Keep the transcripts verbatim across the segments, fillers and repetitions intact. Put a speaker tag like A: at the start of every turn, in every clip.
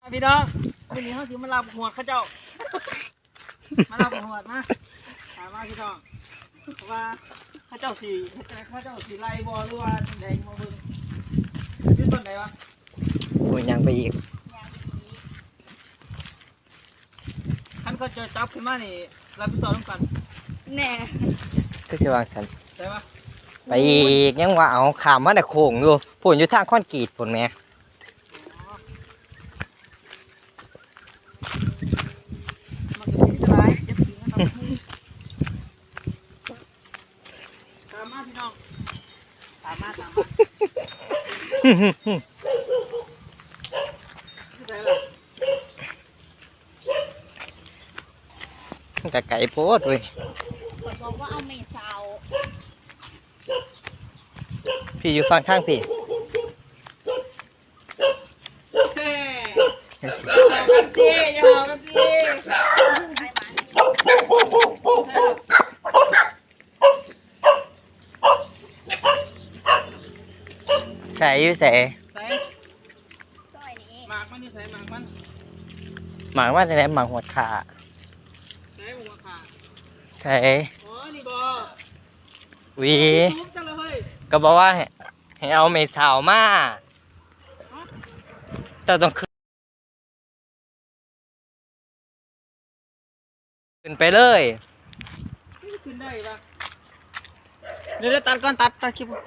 A: พี่น้องวันนี้เขาถือมาลาบหัวเขาเจ้ามาลาบหัวมาถามว่าพี่น้องว่าเขาเจ้าสีเขาเจ้าสีไล่บอหรือว่าแดงมาเบิ่งยืนต้นไหนวะ
B: โอ้ยยังไปอีก
A: ท่านก็จะจับขึ้นมานี่รับผิดชอบร่วมกันแน่
B: ก็จะวางสัน
A: ได้ปะ
B: ไปอีกยังว่าเอาขามมาแต่โค้งอยู่ผลอยู่ทางคอนกรีตผลแม่
A: มันจะเป็นอะไรจะถึงนะครับตามมาพี่น้องตามมาตามมาที่ไหนล่ะ
B: มันก็ไก่โพดเว้ย
C: คนบอกว่าเอาเมสาว
B: พี่อยู่ฝั่งข้างพี่
A: เฮ้ยอย่าเอากันพี่อย่าเอากันพี่
B: ใส่อยู่ใส่
A: ใส่
C: ซอยนี้
A: หมากมันนี่ใส่หมากมัน
B: หมางว่าจะไหนหมางหัวขา
A: ใส่หัวขา
B: ใส่
A: อ๋อนี่บอ
B: วี
A: ทุบจังเลยเฮ้ย
B: ก็บอกว่าให้ให้เอาเมสาวมาแต่ต้องขึ้นขึ้นไปเลย
A: นี่ขึ้นได้ปะเดี๋ยวตัดก่อนตัดตัดคลิป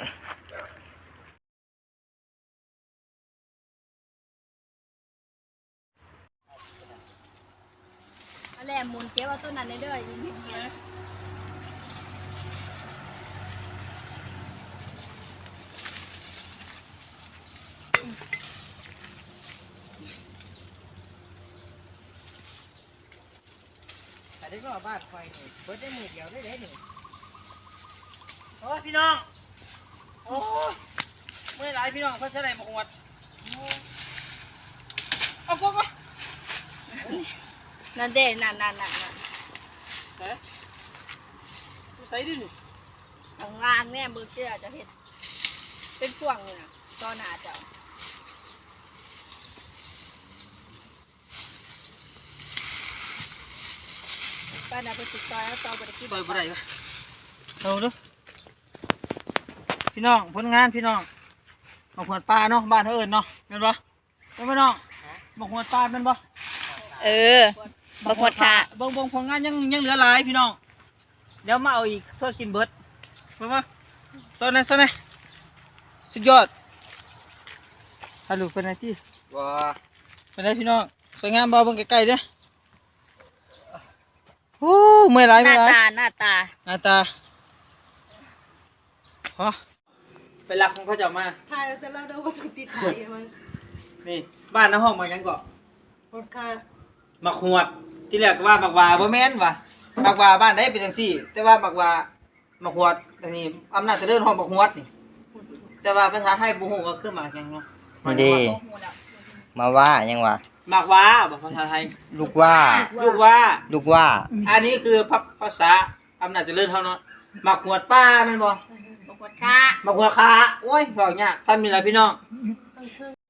C: อะไรหมุนเก็บเอาต้นนั้นได้เด้อยิงเงี้ย
B: แต่ที่ว่าบ้านคอยนี่เปิดได้มือเดียวได้เลยนี่
A: โอ้ยพี่น้องโอ้ยเมื่อไรพี่น้องเพื่อนใช้อะไรมาอวดเอาพวกก็
C: นั่นเด้นั่นนั่นนั่นนั่น
A: ใส่ใส่ดิหนิ
C: ของล่างเนี่ยมือเสื้อจะเห็นเป็นพวงเลยนะตอนหนาเจ้าป้าน่ะไปติดซอยแล้วซอยบริกิน
A: เปิดบ่ได้ปะเอาดูพี่น้องผลงานพี่น้องหมกหัวปลาเนาะบ้านเขาเอิญเนาะเป็นปะเป็นปะน้องหมกหัวปลาเป็นปะ
C: เออบักหมดค่ะ
A: เบิ่งเบิ่งผลงานยังยังเหลือหลายพี่น้องเดี๋ยวมาเอาอีกเพื่อกินเบิดเป็นปะโซนไหนโซนไหนสุดยอดฮัลโหลเป็นไงที่
B: ว้า
A: เป็นไงพี่น้องสวยงามบ่เบิ่งใกล้ๆเด้อโอ้เมื่อยหลาย
C: ห
A: เมื่
C: น้า
A: อยหลาย
C: ตาหน้าตา
A: หน้าตาฮะเป็นหลักของเขาจะมา
C: ถ่ายแล้วจะเล่าได้ว่าถูกติดถ่ายมัน
A: นี่บ้านน้าห้องมายังเกาะ
C: หมดค่ะ
A: มักหวดที่แรกก็ว่ามักวาบ่แม่นว่ะมักวาบ้านได้เป็นจังซี่ แต่ว่ามักวามักหวดอันนี้อำนาจเจริญห้องมักหวดนี่ แต่ว่าภาษาไทยบ่ฮู้ก็คือหมากหยังเนาะ
B: นี่ดีมาว่ายังวะ
A: หมากวาบ่ภาษาไทย
B: ลูกว่า
A: ลูกว่า
B: ลูกว่า
A: อันนี้คือภาษาอำนาจเจริญเฮาเนาะมักหวดป้าแม่นบ่
C: หมดค่ะ
A: มักหวดขาโอ้ยบอกยากซ้ำนี่ล่ะพี่น้อง